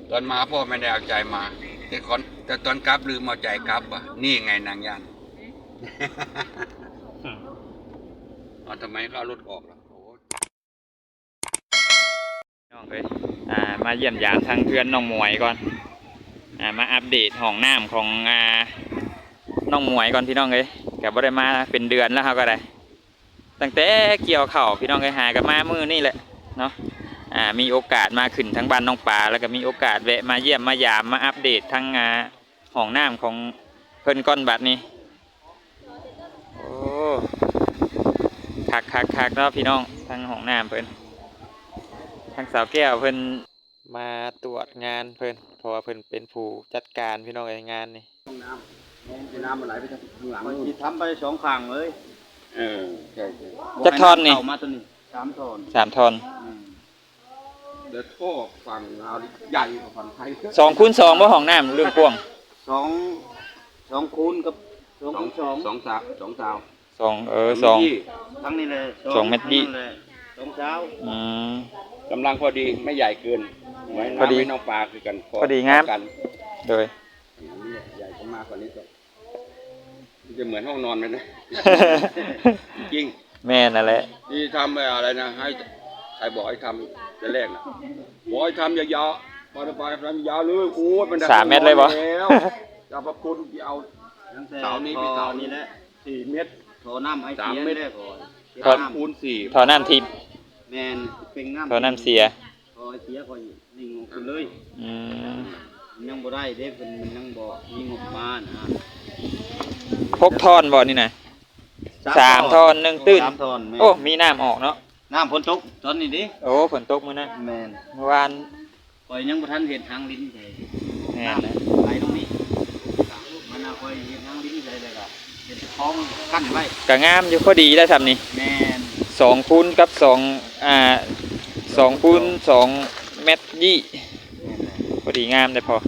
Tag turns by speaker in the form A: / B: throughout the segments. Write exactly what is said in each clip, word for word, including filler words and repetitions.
A: ตอนมาพ่อไม่ได้เอาใจมาแต่คนแต่ตอนกลับลืมเอาใจกลับอ่ะนี่ไงนางยันอ๋อทำไมเขาเอารถออกล่ะโอ้
B: น้องเอ้ยอ่ามาเยี่ยมยามทางเพื่อนน้องหมวยก่อนอ่ามาอัปเดตห้องน้ำของอ่าน้องหมวยก่อนพี่น้องเอ้ยกับบ่ได้มาเป็นเดือนแล้วเขาก็ได้ตั้งแต่เกี่ยวเข่าพี่น้องเอ้ยหากับมามือนี่แหละเนาะอ่ามีโอกาสมาขึ้นทั้งบ้านน้องปลาแล้วก็มีโอกาสแวะมาเยี่ยมมายามมาอัปเดตทั้งอ่าห้องน้ำของเพิ่นก้อนบัดนี้โอ้คักคักคักเนาะพี่น้องทั้งห้องน้ำเพิ่นทั้งสาวแก้วเพิ่นมาตรวจงานเพิ่นเพราะว่าเพิ่นเป็นผู้จัดการพี่น้องเอ้ยงานนี่
A: ห้องน้ำน้ำน้ำมันไหลไปทางข้างหลัง
C: มัน
A: นู่น
C: ทำไปสองฝั่งเลย
A: เออใช่ใช่
B: จักทอนนี่
C: เข้ามาตัวนี้สามทอน
B: สามทอน
C: อืม
A: เดี๋ยวท่อฝั่งเราใหญ่กว่าฝั่งไทย
B: สองคูณสองบ่ห้องน้ำเรื่องกว้าง
C: สองสองคูณกับสอง
A: สอ
C: คู
A: ง
C: ณสอง
A: สองสาวสองสาว
B: สองเออสอง
A: ยี่
C: ทั้งนี้เลย
B: สองเมตรยี่
C: ทั้งนั้นเลยสองเช้า
B: อืม
A: กำลังพอดีไม่ใหญ่เกินไว้
B: พอดี
A: น้ำไม่น้องปลาคือกัน
B: พอดีงาม
A: กัน
B: โดย
A: อันนี้ใหญ่มากกว่านี้ก็จะเหมือนห้องนอนไหมนะ จริง
B: แม่นั่นแหละ
A: ที่ทำอะไรนะให้ใครบอกให้ทำจะแรกนะบอกให้ทำยาวๆพอจะไปทำยาวเลยโอ้ยมันได้
B: สามเมตรเลยบ่
A: แล้วจะพระคุณที่เอา
C: ตั้งแต่
A: เสานี้
C: พ
A: ไป
C: อ
A: เสา
C: นี่แหละ
A: สี่เมตร
C: โถน้ำไอ
A: สาม
C: เสีย
A: เมตร
C: เลยก่อน
B: ทอ
A: สามคูณสี่
B: ทอน้ำทิพย์
C: แมนเป็นน้ำ
B: ทอน้ำเสีย
C: พอไอเสียพอนิ่งออกไปเลย
B: อืม
C: มันยังบ่ได้เด้เป็นมันยังบ่มีงบมานะ
B: พกทอนบ่นี่นะสามทอนหนึ่งตื้น
C: สามทอนแม่น
B: โอ้มีน้ำออกเนาะ
C: น้ำฝนตกตอนนี้ดิ
B: โอ้ฝนตกมื้อนั้น
C: แมน
B: เมื่อวาน
C: คอยยังบ่ทันเห็นทางลิ้นเลย
B: แม่นนะ
C: ไหลตรงนี้มันเอาคอยเห็นทางลิ้นเลยเลยก็เห็นคลองกั้นไว้
B: ก็งามอยู่พอดีแล้วซ้ำนี่
C: แมน
B: สองคูณกับสองอ่าสองคูณสองเมตรยี่พอดีงามได้พอ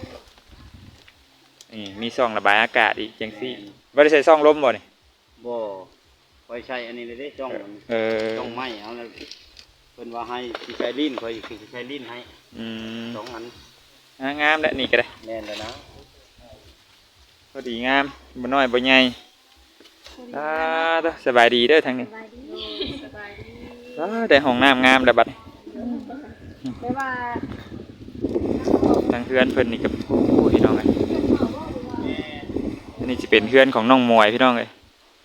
B: นี่มีซ่องระบายอากาศอีกจังซี่บ่ได้ใส่ซ่องลมบ่นี่
C: บ่คอยใช้อันนี้เลยเด้จ้องมัน
B: เออ
C: จ้องไม้เอาแล้วเพิ่นว่าให้สิใช้ลิ้นคอยสิใช้ลิ้นให้
B: อืม
C: สองอัน
B: อ่างามแล้วนี่ก็ได้
C: แม่นแล้วนะ
B: พอดีงามบ่น้อยบ่ใหญ่อ่าเด้อสบายดีเด้อทางนี้
D: สบายดีสบายดี
B: อ่าได้ห้องน้ำงามแล้วบัดนี้
D: ไม่ว่า
B: ทางเพื่อนเพิ่นนี่ก็โอ้พี่น้องเอ้ยอันนี้สิเป็นเพื่อนของน้องมวยพี่น้องเอ้ย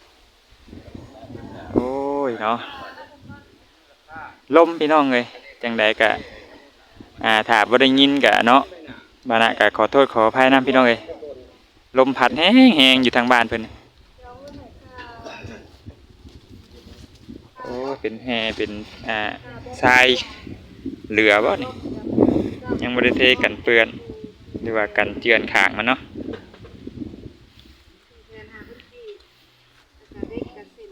B: โอ้ยเนาะลมพี่น้องเอ้ยจังใดก็อ่าถ้าบ่ได้ยินก็เนาะบานะก็ขอโทษขออภัยนํพี่น้องเอ้ยลมพัดแห้งๆอยู่ทางบ้านเพิ่นโอ้เป็นแฮเป็นอ่าทรายเหลือบ่นี่ยังบ่ได้เทกันเปื้อนหรือว่ากันเจือนข้างมันเนาะ
D: เงินหาพื้นที่แล้วก็เด็กกับสิน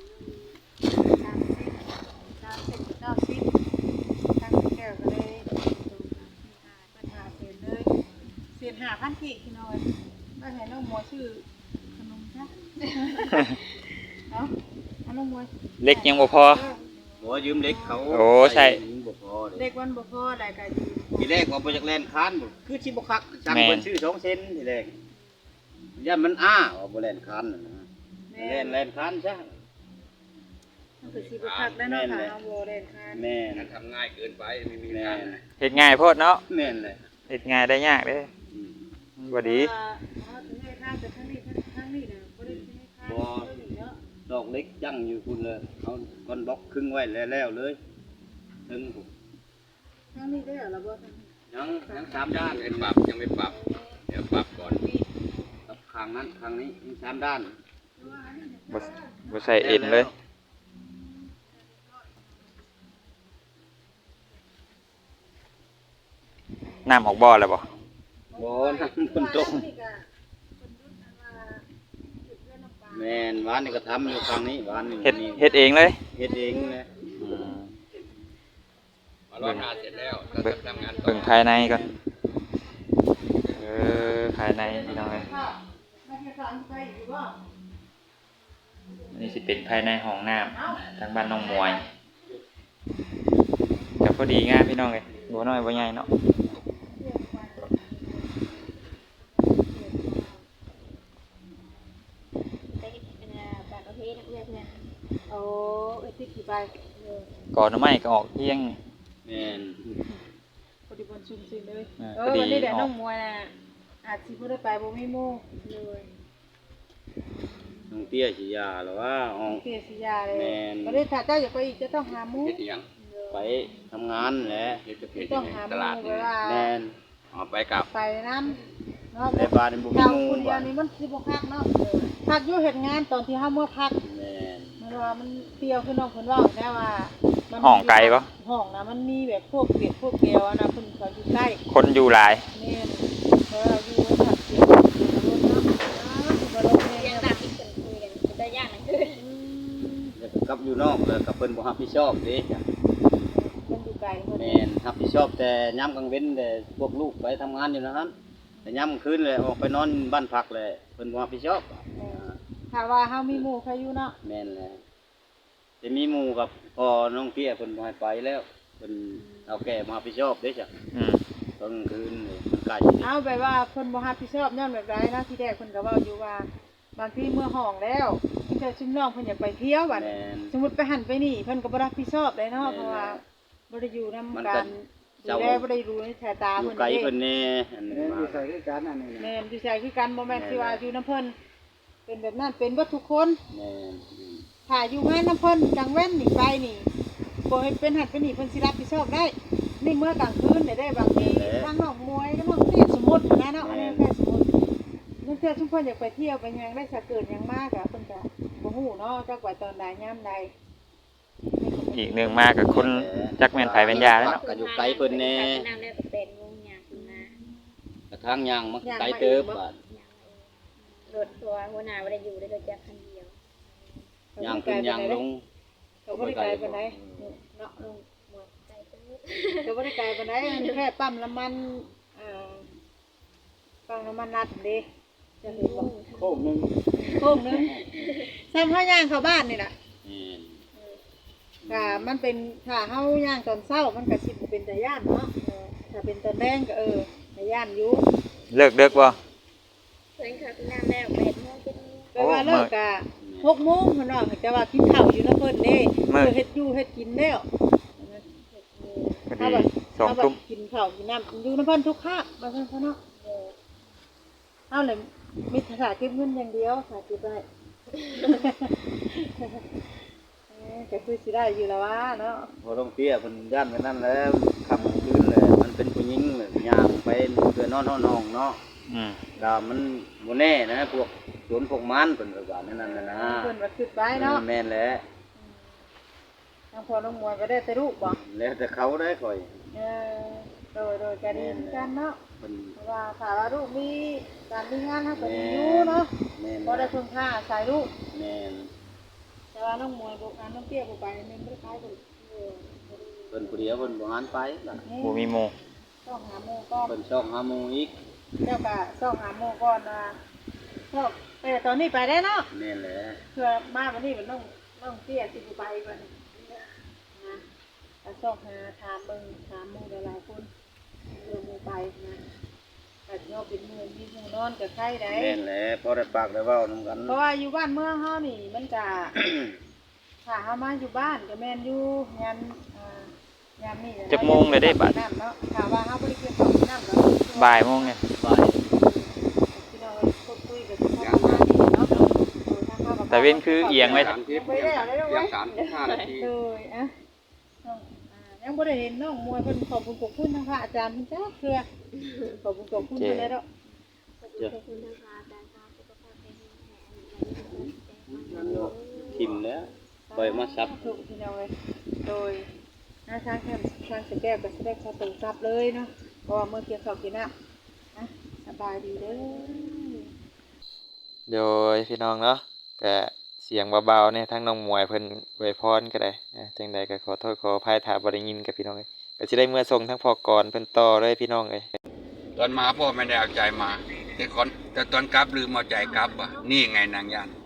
D: สามสิบสามสิบเก้าสิบทั้งแก้วก็เลยปัญหาเสียเลยเสียหาพันกี่กิโลก็เห็นน้องมัวชื่อขนมจ้ะเนาะน้องมัว
B: เล็กยังบ่พอ
C: บ่ยืมเล็กเขา
B: โอ้ใช่
C: บ่พอเด้
D: เด็กวันบ่พอได้ก็
C: ทีแรกว่าบ่จากแลนคานบ่คือสิบ่คักสั่งเพิ่นซื้อสองเซนทีแรกย่านมันอ้าว่าบ่แลนคานน่ะนะแลนแลนคานซะ
D: มันคือสิบ่คักได้เนาะค่ะน้องโบเด่นค่ะ
C: แม่น
A: มันทำง่ายเกินไปไม่มี
C: แม่
A: งาน
C: น
B: เฮ็ดง่ายโพดเนาะ
C: แม่นเลย
B: เฮ็ดง่ายได้ยากเด้อ
C: อืม
B: บ่ดี
D: อ๋อถึงให้ค่าแต่ทั้งนี้ทั้งนี้น่ะบ่ได้ให้ค่าเนาะ
C: ดอกเล็กยั่งอยู่คุณเลยเอาก้อนบล็อกครึ่งไว้แล้วๆเลยถึง
D: ทั้งนี้ได้เหรอเราบ่ทั้ง
C: ยังยังสาม
A: ยั
C: ด้าง น
A: ไม่ปรับยังไม่ปรับเดี๋ยวปรับก่อน
C: กับข้างนั้นข้างนี้มีสามด้าน
B: บ่บ่ใส่เอ็นเลย น้ำออกบ่อแล้วบ่
C: บ่น้ำฝนตกแม่นหวานนี่ก็ทำอยู่ข้างนี้หวานนี่
B: เฮ็ด
C: นี่
B: เฮ็ดเองเลย
C: เฮ็ดเองเลย
B: อืม
A: มารอดงานเสร็จแล้วก็
B: เบิ่ง
A: ทำงานต่อ
B: เบิ่งภายในก่อนเออภายในพี่น้องเอ้ยนี่สิเป็นภายในห้องน้ำทางบ้านน้องมวยก็พอดีงามพี่น้องเอ้ยบ่น้อยบ่ใหญ่เนาะก่อนหน่อไม้ก็ออกเที่ยง
C: แม่น
D: พอดีบนชุมซินเลย
B: เออ
D: เอ
B: พ
D: อ
B: อดี
D: วันนี้แหละ
B: ออก
D: น้องมวยน่ะอาจสิบ่ได้ไปบ่มีหมู่เลย
C: น้องเตี้ยสิยาหรือว่าออก
D: เสียสิยาเลย
C: แม่น
D: บ่ได้ถ้าเจ้าอยากไปอีกจะต้องหาหมู่
A: เฮ็ดอีหยัง
C: ไปทำงานแหละ
A: เฮ็ดจะเพจ
D: ต้องหาห
A: ต
D: มู่
A: ลาด
D: เว
A: นี่
D: ลา
C: แม่น
A: เอาไปกลับ
D: ไปนำเนาะ
C: ในบ้านนี่บ่มี
D: เรา
C: หมู่
D: คนเดียวนี่มันสิบ่คักเนาะพักอยู่เฮ็ดงานตอนที่เฮาเมื่อพัก
C: แม่น
D: มันว่ามันเปรี้ยวคือน้องเพิ่นเว้าแน่ว่ามัน
B: ห้องไกลปะ
D: ห้องน่ะมันมีแบบพวกเปียกพวกเกลียวอะนะเพิ่นเขาอยู่ใกล้
B: คนอยู่หลาย
D: แม่นเพราะเราอยู่ผัดเปียกอยู่รถเนาะอ้าวสิบ่ลงแม่
E: เรียน
D: เนาะ
E: ตามที่เพิ่นคุยกันเป็นได้ยากนั่นคือ
C: แล้วก็กลับอยู่นอกแล้วก็เพิ่นบ่รับผิดชอบเด้จ้ะ
D: เพิ่นอยู่ไกลเพิ่น
C: แม่นรับผิดชอบแต่ยามกลางเว้นแต่พวกลูกไปทำงานอยู่นะครับแต่ยามกลางคืนเลยออกไปนอนบ้านพักเลยเพิ่นบ่รับผิดชอบ
D: ถ้าว่าเฮามีหมู่ใครอยู่เนาะ
C: แม่นแหละจะมีหมู่กับพอน้องเตี้ยเพิ่นบ่ให้ไปแล้วเพิ่นเอาแก่มารับผิดชอบเด้จ้ะ
B: อืม
C: ตอนกลางคืนนี่มันใกล้สิ
D: เอาแบบว่าเพิ่นบ่รับผิดชอบย้อนแบบใดนะที่แรกเพิ่นก็เว้าอยู่ว่าบางทีเมื่อห้องแล้วที่เจ้าชุมน้องเพิ่นอยากไปเที่ยวบัด
C: แม่น
D: สมมุติไปหันไปนี่เพิ่นก็บ่รับผิดชอบเลยเนาะ
C: แม่น
D: เพราะว่าบ่ได้อยู่นํ
C: มันก็
D: กันดู
C: เจ้า
D: แลบ่ได้รู้ในสายตา
C: อยู่
D: เพิ่น
C: ไกล
D: เด้
C: เพิ่นแน่อันนี้มา
D: แม่นอยู่ใส่คือกันบ่แม่นสิว่าอยู่นํเพิ่นเป็นแบบนั้นเป็นเบิดทุกคน
C: แม่น
D: ถ้าอยู่งานนํเพิ่นกลางเว้นนี่ไปนี่บ่ให้เป็นหันเป็นนี่เพิ่นสิรับผิดชอบได้นี่เมื่อกลางคืนได้ได้บางทีทางน้องมวยก็น้องเตี้ยสมมุตินะเนาะอันนี้แค่สมมุตินั่นเทื่อชุมเพิ่นอยากไปเที่ยวไปหยังได้สะเกิดหยังมากอะเพิ่นก็บ่ฮู้เนาะจักว่าตอนใดยามใด
B: อีกหนึ่งมากับคนจักแม่นไผเป็นยาแล้วเนาะ
C: ก็อยู่ไกลเพิ่นแน่
E: น้ำแล้วก็เป็นวงยาขึ้นมาก
C: ระทั่งย่างมันไกลเติบบาด
E: รถตัวหัวหน้าบ่ได้อยู่ได้รถจักรคันเดียว
C: ย่างขึ้นย่างลง
D: ก็บ่ได้ไกลปานใดเนาะลุง
E: หมดใจตื้อ
D: ก็บ่ได้ไกลปานใดแค่ปั๊มน้ำมันเอ่อปั๊มน้ำมันนัดเด้จะเห็นบ่
C: โค้งหนึง
D: โค้งหนึงซ้ำเฮาย่างเข้าบ้านนี่ล่ะ
C: แม่น
D: ก็มันเป็นถ้าเฮาย่างตอนเช้ามันก็สิบ่เป็นตาย่านเนาะเออถ้าเป็นตอนแดงก็เออตาย่านอยู่
B: เลิกเด็กบ่
E: เพิ่นเขาน้ำแล้วเป็นโมงเป็น
D: แปลว่าเลิกก็หกโมงเพิ่นว่าแต่ว่ากินข้าวอยู่นำเพิ่นเด้เออเฮ็ดอยู่เฮ็ดกินแล้ว
B: พอดีสองทุ่ม
D: กินข้าวกินน้ำอยู่นำเพิ่นทุกคาบว่าซั่นซะเนาะเอาเลยมีภาษาเก็บเงินอย่างเดียวภาษาเก็บได้ เอ้ยก็คือสิได้อยู่แล้วว่าเนาะ
C: พอต้องเตี้ยเพิ่นย่านไปนั่นแล้วค่ำคืนเลยมันเป็นผู้หญิงเลยย่างไปเพื่อนอนห้องเนาะ
B: อืม
C: ก็มันบ่แน่นะพวกสวนพวกมันเพิ่นก็ว่านั่นน่ะนะ
D: เพิ่นว่าคิดไว้เนาะ
C: แม่นแหละ
D: ทางพ่อน้องมวยก็ได้แต่ลูกบ่
C: แล้วแต่เขาได้ค่อย
D: เออโดยโดยกันดีกันเนาะ
C: เพิ่น
D: เพราะว่าถ้าว่าลูกมีการมีงานเฮาก็มีอยู่เนาะ
C: แม่น
D: บ่ได้พึ่งพาอาศัยลูก
C: แม่น
D: แต่ว่าน้องมวยบ่การน้องเตี้ยบ่ไปแม่นบ่ได้ขายบ่เออ
C: เพิ่นผู้เดียวเพิ่นบ่หันไปล่ะ
B: บ่มีหมู่
D: ต้องหาหมู่ก่อน
C: เพิ่นชอบหาหมู่อีก
D: เจ้าก็ต้องหาหมู่ก่อนนะชอบเออตอนนี้ไปได้เนาะ
C: แม่นแหละ
D: เพื่อมาวันนี้มันต้องต้องเตี้ยสิบ่ไปก่อนนะก็ต้องหาถามเบิ่งถามหมู่หลายๆคนเพื่อหมู่ไปนะแต่เฮาเป็นหมู่มีหมู่นอนกับใครได้
C: แม่นแหละพอได้ปากได้เว้านำกัน
D: เพราะว่าอยู่บ้านเมืองเฮานี่มันก็ ถ้าเฮามาอยู่บ้านก็แม่นอยู่ยามอ่ายามนี่
B: จักโมงเลยได้บัด
D: น้ำเนาะถ้าว่าเฮาบ่ได้เกี่ยวกับน้ำเนาะ
B: บ่ายโมงเนี่ย
C: บ่าย
D: พี่น้องพูดคุยกับพ่อมานี่เนาะ
B: แต่เว้นคือเอียงไว้
A: สามทิพย์ยังสามสิบห้านาที
D: เลยอ่ะน้องอ่ายังบ่ได้เห็นน้องมวยเพิ่นขอบคุณขอบคุณทางพระอาจารย์เพิ่นจ้าเทื่อขอบคุณขอบคุณเพิ่นเลยเนาะ
C: เจ้า
E: ขอบคุณทางพระอาจารย์ครับสุขภาพแข็งแรง
C: ทิมแล้วปล่อยมาซับ
D: ถูกพี่น้องเลยโดยหน้าทางแคมทางสแก้วก็แสดงขอตรงซับเลยเนาะเพราะว่าเมื่อเกี่ยวข้าวกินน้ำนะสบายดีเด้อ
B: โดยพี่น้องเนาะก็เสียงเบาๆเนี่ยทั้งน้องหมวยเพิ่นอวยพรก็ได้อ่าจังใดก็ขอโทษขออภัยถ้าบ่ได้ยินกับพี่น้องเอ้ยก็สิได้เมื่อส่งทั้งพอกรเพิ่นต่อเลยพี่น้องเอ้ย
A: ตอนมาพ่อไม่ได้เอาใจมาแต่ก่อนแต่ตอนกลับลืมเอาใจกลับว่ะนี่ไงนางยัน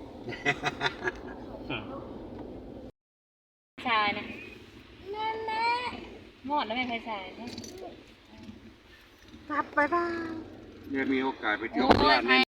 E: ชายนะนั่นแหละหมดแล้วไม่เคยใส่นะ
D: กลับไปบ้าน
A: เนี่ยมีโอกาสไปเที่ยวโคราชแน่